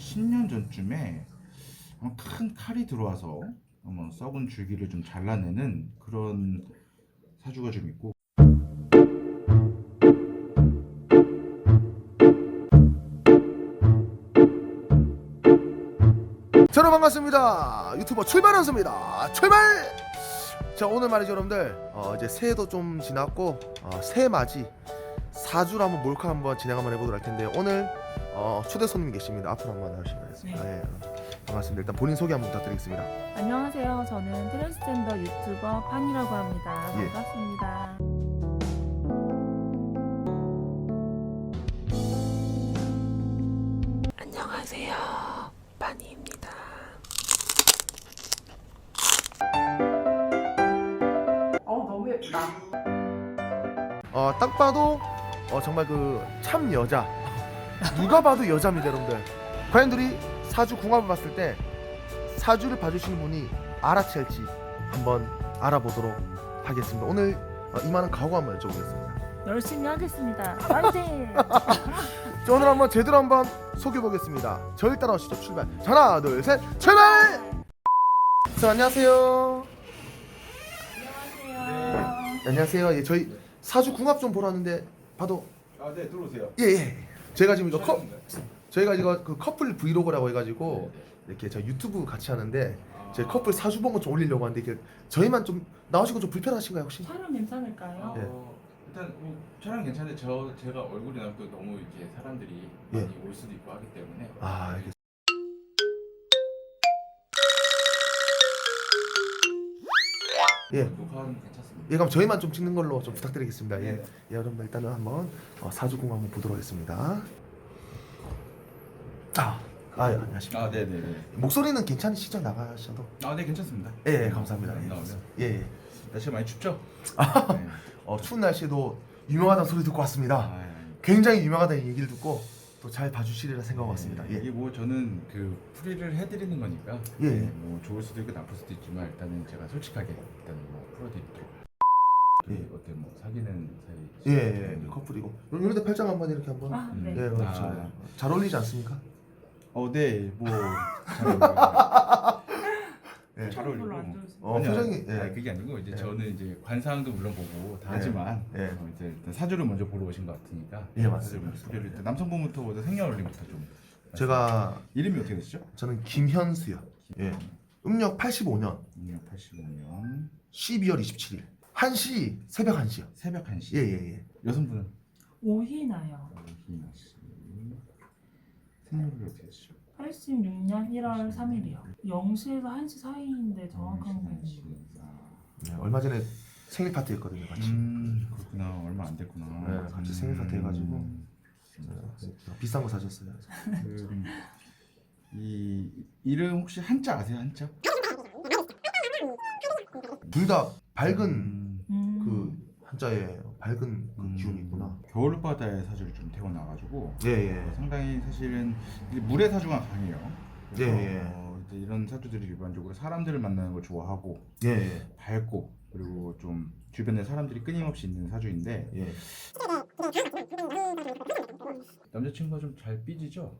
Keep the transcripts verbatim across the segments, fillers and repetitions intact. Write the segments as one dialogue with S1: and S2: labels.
S1: 십 년 전쯤에 아마 큰 칼이 들어와서 아마 썩은 줄기를 좀 잘라내는 그런 사주가 좀 있고.
S2: 저는 반갑습니다. 유튜버 출발연수입니다. 출발! 자, 오늘 말이죠 여러분들, 어, 이제 새해도 좀 지났고 어, 새해 맞이 사 주를 한번 몰카 한번 진행 한번 해보도록 할 텐데, 오늘 어, 초대 손님 계십니다. 앞으로 한번 나오시면 되겠습니다.
S3: 네.
S2: 예, 반갑습니다. 일단 본인 소개 한번 부탁드리겠습니다.
S3: 안녕하세요. 저는 트랜스젠더 유튜버 판이라고 합니다.
S2: 예.
S3: 반갑습니다. 안녕하세요. 판이입니다. 어, 너무 예쁘다.
S2: 어, 딱 봐도 어, 정말 그 참 여자, 누가 봐도 여자입니다 여러분들. 과연들이 사주 궁합을 봤을 때 사주를 봐주시는 분이 알아챌지 한번 알아보도록 하겠습니다. 오늘 어, 이만한 각오 한번 여쭤보겠습니다.
S3: 열심히 하겠습니다. 파이팅!
S2: 자, 오늘 한번 제대로 한번 소개해보겠습니다. 저희 따라오시죠. 출발. 자, 하나 둘 셋 출발! 자, 안녕하세요.
S3: 안녕하세요.
S2: 네, 안녕하세요. 예, 저희 사주 궁합 좀 보러 왔는데 봐도
S1: 아, 네, 들어오세요.
S2: 예, 예. 제가 지금 이거 컵 저희가 이거 그 커플 브이로그라고 해가지고 이렇게 저 유튜브 같이 하는데 제 커플 사주 본거 좀 올리려고 하는데 이게 저희만 좀 나오시고 좀 불편하신가요 혹시?
S3: 촬영 괜찮을까요?
S2: 예.
S1: 어, 일단 뭐 촬영 괜찮은데 저 제가 얼굴이나 또 너무 이렇게 사람들이
S2: 예.
S1: 많이 올 수도 있고 하기 때문에.
S2: 아, 알겠습니다. 예.
S1: 녹화는 괜찮습니다.
S2: 예, 그럼 저희만 좀 찍는 걸로 좀 부탁드리겠습니다. 예, 예, 여러분들 일단은 한번 어, 사주궁 한번 보도록 하겠습니다. 아, 아, 예, 안녕하십니까.
S1: 아, 네, 네, 네.
S2: 목소리는 괜찮으시죠? 나가셔도?
S1: 아, 네, 괜찮습니다.
S2: 예, 예, 감사합니다.
S1: 안
S2: 예,
S1: 나오면.
S2: 예, 예.
S1: 날씨가 많이 춥죠?
S2: 아,
S1: 네.
S2: 어, 추운 날씨에도 유명하다는 소리 듣고 왔습니다.
S1: 아, 예.
S2: 굉장히 유명하다는 얘기를 듣고 또 잘 봐주시리라 생각하고 왔습니다.
S1: 네, 이게
S2: 예,
S1: 뭐 저는 그 풀이를 해드리는 거니까.
S2: 예.
S1: 네, 뭐 좋을 수도 있고 나쁠 수도 있지만 일단은 제가 솔직하게 일단 뭐 풀어드릴게요.
S2: 예.
S1: 그 어때 뭐 사귀는 사이?
S2: 예, 예, 예, 커플이고. 이런데 팔짱 한번 이렇게 한번.
S3: 아, 네.
S2: 예, 그렇죠.
S1: 아.
S2: 잘 어울리지 않습니까?
S1: 어, 네, 뭐 잘 어울리고.
S2: 예.
S1: 잘 어울리고.
S3: 별로 안 좋으세요.
S2: 어,
S1: 아니요,
S2: 표정이, 예.
S1: 아니, 그게 아니고 이제
S2: 예.
S1: 저는 이제 관상도 물론 보고 다
S2: 예.
S1: 하지만
S2: 예.
S1: 어, 이제 일단 사주를 먼저 보러 오신 것 같으니까.
S2: 예, 맞습니다.
S1: 소개를 일단 남성분부터 먼저 생년월일부터 좀.
S2: 제가
S1: 이름이 어떻게 되시죠?
S2: 저는 김현수요. 예. 음력 팔십오 년
S1: 천구백팔십오 년
S2: 십이월 이십칠일 한 시, 새벽 한 시요.
S1: 새벽 한 시.
S2: 예, 예, 예.
S1: 여성분은
S3: 오희나요.
S1: 이희나 씨. 생년월일 어떻게 되시죠?
S3: 팔십육 년 일월 삼일이요. 영 시에서 한 시 사이인데 정확한 건 모르겠어요.
S2: 네, 얼마 전에 생일 파티 했거든요, 같이.
S1: 음, 그렇구나. 얼마 안 됐구나.
S2: 네, 같이 생일 파티 해가지고.
S1: 음.
S2: 어, 비싼 거 사줬어요.
S1: 그, 이 이름 혹시 한자 아세요? 한자?
S2: 둘 다 밝은
S1: 음,
S3: 음.
S2: 그 한자에 밝은 그
S1: 음,
S2: 기운이 있구나.
S1: 겨울바다의 사주를 좀 태어나가지고
S2: 예, 예.
S1: 상당히 사실은 이제 물의 사주가 강해요. 그래서
S2: 예, 예.
S1: 어, 이제 이런 사주들이 일반적으로 사람들을 만나는 걸 좋아하고
S2: 예, 예.
S1: 밝고 그리고 좀 주변에 사람들이 끊임없이 있는 사주인데
S2: 예.
S1: 남자친구가 좀 잘 삐지죠?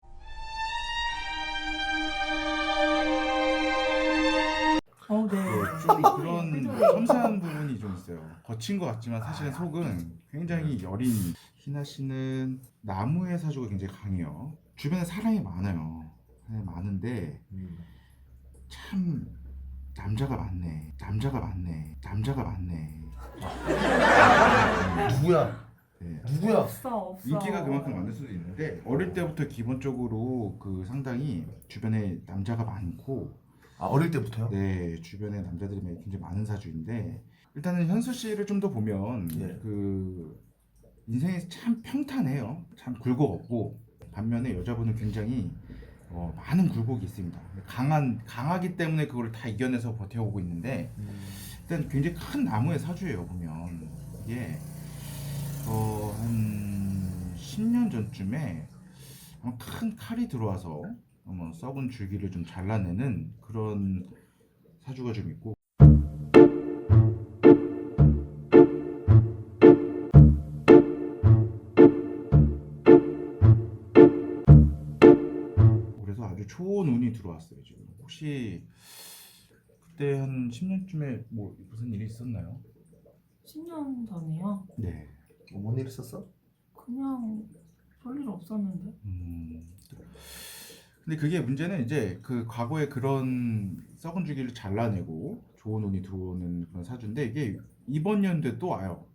S3: 어, 네.
S1: 네, 좀 그런 섬세한 부분이 좀 있어요. 거친 것 같지만 사실은 속은 굉장히 여린. 희나 씨는 나무의 사주가 굉장히 강해요. 주변에 사람이 많아요. 사람이 많은데
S2: 음.
S1: 참 남자가 많네. 남자가 많네. 남자가 많네.
S2: 누구야?
S1: 네.
S2: 누구야?
S3: 없어, 없어.
S1: 인기가 그만큼 많을 수도 있는데 어릴 때부터 기본적으로 그 상당히 주변에 남자가 많고,
S2: 아, 어릴 때부터요?
S1: 네, 주변에 남자들이 굉장히 많은 사주인데, 일단은 현수 씨를 좀 더 보면
S2: 예.
S1: 그 인생이 참 평탄해요. 참 굴곡 없고, 반면에 여자분은 굉장히 어, 많은 굴곡이 있습니다. 강한 강하기 때문에 그걸 다 이겨내서 버텨오고 있는데,
S2: 음.
S1: 일단 굉장히 큰 나무의 사주예요. 보면 이게 어, 한 십 년 전쯤에 아마 큰 칼이 들어와서 아마 썩은 줄기를 좀 잘라내는 그런 사주가 좀 있고, 올해 아주 좋은 운이 들어왔어요. 지금 혹시 그때 한 십 년쯤에 뭐 무슨 일이 있었나요?
S3: 십 년 전이요?
S1: 네.
S2: 뭐, 뭔일 있었어?
S3: 그냥 별일 없었는데.
S1: 음. 근데 그게 문제는 이제 그 과거에 그런 썩은 주기를 잘라내고 좋은 운이 들어오는 그런 사주인데 이게 이번 연도에 또 와요.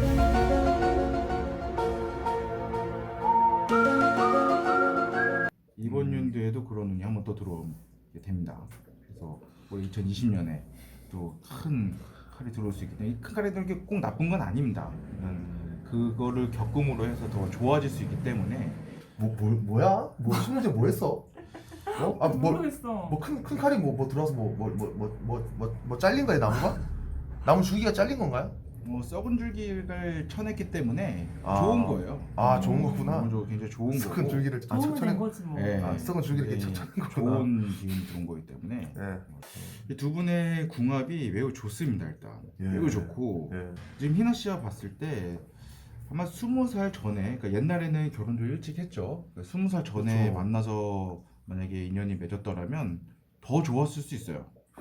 S1: 이번
S2: 음.
S1: 연도에도 그런 운이 한번 또 들어오게 됩니다. 그래서 뭐 이천이십 년에 또 큰 칼이 들어올 수 있기 때문에 큰 칼이 들어오는 게 꼭 나쁜 건 아닙니다. 음, 그거를 겪음으로 해서 더 좋아질 수 있기 때문에
S2: 뭐, 뭐 뭐야? 뭐 십 년 전에 뭐 했어? 어? 아, 뭐,
S3: 모르겠어.
S2: 뭐 큰 큰 칼이 뭐, 뭐 들어와서 뭐 뭐 뭐 뭐 뭐 뭐 뭐 잘린 거야 나무가? 나무 줄기가 잘린 건가요?
S1: 뭐 썩은 줄기를 쳐냈기 때문에
S2: 아.
S1: 좋은 거예요.
S2: 아 좋은 거구나.
S1: 너무 좋- 굉장히 좋은 거고.
S2: 썩은 줄기를 아
S3: 도움이 된
S2: 쳐낸
S3: 거지 뭐.
S1: 네,
S2: 아, 썩은 줄기를 이렇게
S1: 굉장히
S2: 쳐낸 거구나.
S1: 좋은 기운이 들어온 거기 때문에
S2: 예.
S1: 이 두 분의 궁합이 매우 좋습니다. 일단
S2: 예.
S1: 매우 좋고
S2: 예.
S1: 지금 희나 씨와 봤을 때 아마 스무 살 전에 그러니까 옛날에는 결혼도 일찍 했죠. 그러니까 스무 살 전에
S2: 그렇죠.
S1: 만나서 만약에 인연이 맺었더라면 더 좋았을 수 있어요.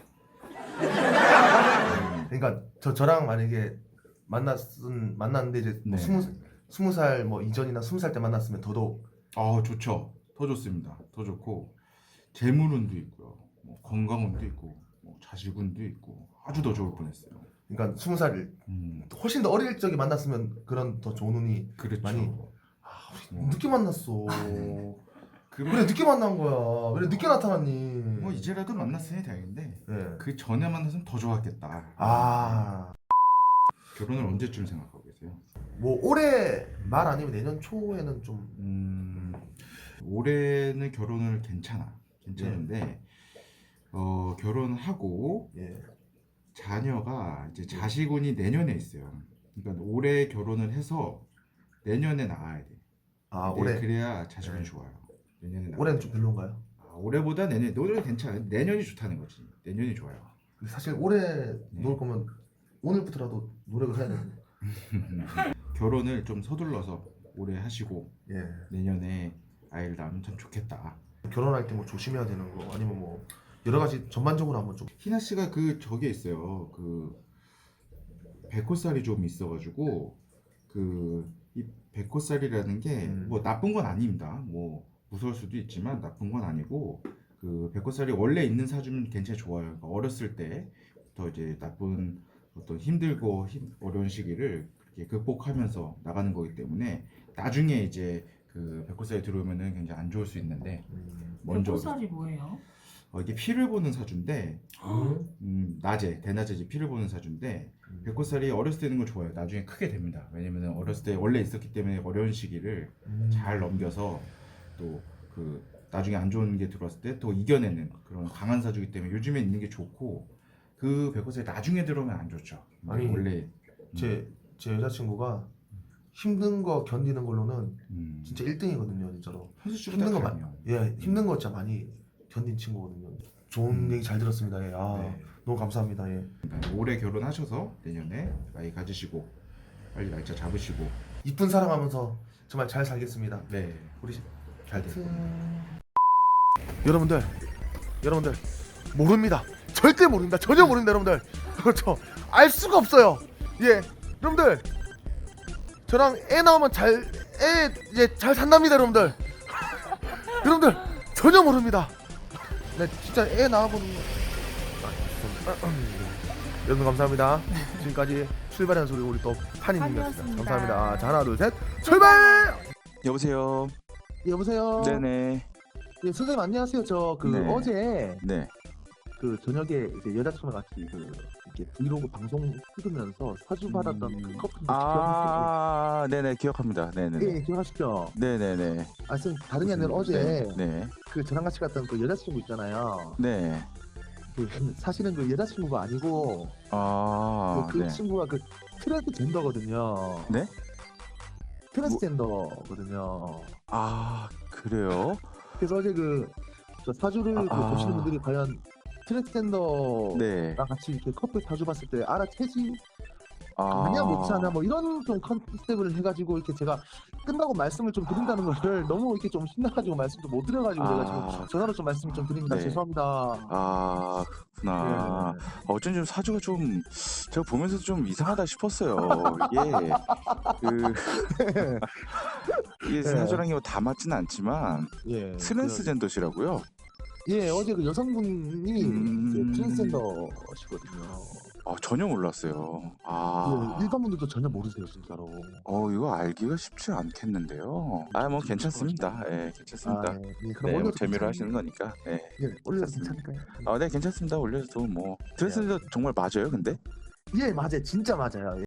S2: 그러니까 저 저랑 만약에 만났은 만났는데 이제 뭐
S1: 네.
S2: 스무 스무 살 뭐 이전이나 스무 살 때 만났으면 더더욱
S1: 아 좋죠. 더 좋습니다. 더 좋고 재물운도 있고요. 뭐 건강운도 있고 뭐 자식운도 있고 아주 더 좋을 뻔했어요.
S2: 그러니까 스무 살
S1: 음
S2: 훨씬 더 어릴 적에 만났으면 그런 더 좋은 운이
S1: 그렇죠.
S2: 많이 아, 우리 늦게 만났어.
S1: 그러-
S2: 그래 늦게 만난 거야. 왜 늦게 나타났니?
S1: 뭐 이제라도 만났으니 다행인데
S2: 예.
S1: 그 전에 만났으면 더 좋았겠다.
S2: 아,
S1: 결혼을 언제쯤 생각하고 계세요?
S2: 뭐 올해 말 아니면 내년 초에는 좀
S1: 음, 올해는 결혼을 괜찮아. 괜찮은데 어, 결혼하고
S2: 예.
S1: 자녀가 이제 자식운이 내년에 있어요. 그러니까 올해 결혼을 해서 내년에 낳아야 돼.
S2: 아,
S1: 네,
S2: 올해
S1: 그래야 자식운이
S2: 네.
S1: 좋아요. 내년에 낳아야
S2: 올해는
S1: 돼.
S2: 좀 별론가요?
S1: 아, 올해보다 내년 올해는 괜찮아. 내년이 좋다는 거지. 내년이 좋아요.
S2: 근데 사실 올해
S1: 네.
S2: 놀 거면 오늘부터라도 노력을 해야 되는데.
S1: 결혼을 좀 서둘러서 올해 하시고
S2: 예.
S1: 내년에 아이를 낳으면 참 좋겠다.
S2: 결혼할 때 뭐 조심해야 되는 거 아니면 뭐 여러 가지 전반적으로 한번 좀
S1: 희나 씨가 그 저게 있어요. 그 백호살이 좀 있어가지고 그 이 백호살이라는 게
S2: 음.
S1: 뭐 나쁜 건 아닙니다. 뭐 무서울 수도 있지만 나쁜 건 아니고 그 백호살이 원래 있는 사주면 굉장히 좋아요. 그러니까 어렸을 때부터 이제 나쁜 어떤 힘들고 힘, 어려운 시기를 그렇게 극복하면서 나가는 거기 때문에 나중에 이제 그 백호살이 들어오면은 굉장히 안 좋을 수 있는데
S2: 음.
S1: 먼저
S3: 백호살이 뭐예요?
S1: 어, 이게 피를 보는 사주인데
S2: 음.
S1: 음, 낮에 대낮에 이제 피를 보는 사주인데
S2: 음.
S1: 백호살이 어렸을 때 있는 건 좋아요. 나중에 크게 됩니다. 왜냐면 어렸을 때 원래 있었기 때문에 어려운 시기를
S2: 음.
S1: 잘 넘겨서 또 그 나중에 안 좋은 게 들어왔을 때 또 이겨내는 그런 강한 사주이기 때문에 요즘에 있는 게 좋고 그 백호살이 나중에 들어오면 안 좋죠.
S2: 아니,
S1: 원래
S2: 제, 제 여자친구가 힘든 거 견디는 걸로는
S1: 음,
S2: 진짜 일 등이거든요 진짜로.
S1: 현수 씨보다
S2: 힘든 거
S1: 강해요.
S2: 예, 힘든 거 진짜 많이 견딘 친구거든요. 좋은
S1: 음.
S2: 얘기 잘 들었습니다. 예. 아,
S1: 네.
S2: 너무 감사합니다. 예.
S1: 그러니까 올해 결혼하셔서 내년에 아이 가지시고 빨리 날짜 잡으시고
S2: 이쁜 사랑하면서 정말 잘 살겠습니다.
S1: 네
S2: 우리
S1: 잘 될 겁니다.
S2: 여러분들, 여러분들 모릅니다. 절대 모릅니다. 전혀 모릅니다, 여러분들. 그렇죠. 알 수가 없어요. 예, 여러분들 저랑 애 나오면 잘, 애 이제 잘 산답니다, 여러분들. 여러분들 전혀 모릅니다. 네, 진짜 애 나와보는. 아, 죄송합니다. 여러분 감사합니다. 지금까지 출발한 소리 우리 또 한이님이었습니다.
S3: 한이었습니다.
S2: 감사합니다. 자, 하나, 둘, 셋, 출발!
S4: 여보세요.
S5: 여보세요.
S4: 네네.
S5: 예, 선생님 안녕하세요. 저 그
S4: 네.
S5: 어제
S4: 네.
S5: 그 저녁에 이제 여자친구랑 같이 그 이렇게 브이로그 방송 찍으면서 사주 받았던
S4: 음.
S5: 그 커플 기억하시죠?
S4: 아, 네네 기억합니다. 네네.
S5: 예, 예, 기억하시죠?
S4: 네네네.
S5: 아, 선생님 다름이 아니라 어제
S4: 네.
S5: 그 저랑 같이 갔던 그 여자친구 있잖아요.
S4: 네.
S5: 그 사실은 그 여자친구가 아니고
S4: 아,
S5: 그, 그
S4: 네.
S5: 친구가 그 트랜스젠더거든요.
S4: 네?
S5: 트랜스젠더거든요.
S4: 아, 그래요?
S5: 그래서 어제 그, 저 사주를 그
S4: 아.
S5: 보시는 분들이 과연 트랜스젠더랑
S4: 네.
S5: 같이 이렇게 커플 사주 봤을 때 알아채지
S4: 아.
S5: 아니야 못하나 뭐 이런 좀 컨셉을 해가지고 이렇게 제가 끝나고 말씀을 좀 드린다는 거를 너무 이렇게 좀 신나가지고 말씀도 못 드려가지고
S4: 아.
S5: 제가 지금 전화로 좀 말씀 좀 드립니다.
S4: 네.
S5: 죄송합니다.
S4: 아, 그렇구나.
S5: 네.
S4: 어쩐지 좀 사주가 좀 제가 보면서 좀 이상하다 싶었어요. 이게 그 이게
S5: 네.
S4: 사주랑 이거 다 맞지는 않지만
S5: 예.
S4: 트랜스젠더시라고요?
S5: 그, 예, 어제 그 여성분이
S4: 음.
S5: 이제 트랜스젠더시거든요.
S4: 아, 전혀 몰랐어요. 아,
S5: 예, 일반 분들도 전혀 모르세요, 진짜로.
S4: 어 이거 알기가 쉽지 않겠는데요. 아, 뭐 괜찮습니다. 예, 괜찮습니다.
S5: 아, 예, 예, 그럼
S4: 네, 뭐
S5: 올려도
S4: 재미로
S5: 괜찮-
S4: 하시는 거니까. 예.
S5: 예, 올려도
S4: 괜찮습니다.
S5: 괜찮을까요?
S4: 아, 네, 괜찮습니다. 올려도 뭐 트랜스젠더 정말 맞아요, 근데?
S5: 예, 맞아요. 진짜 맞아요.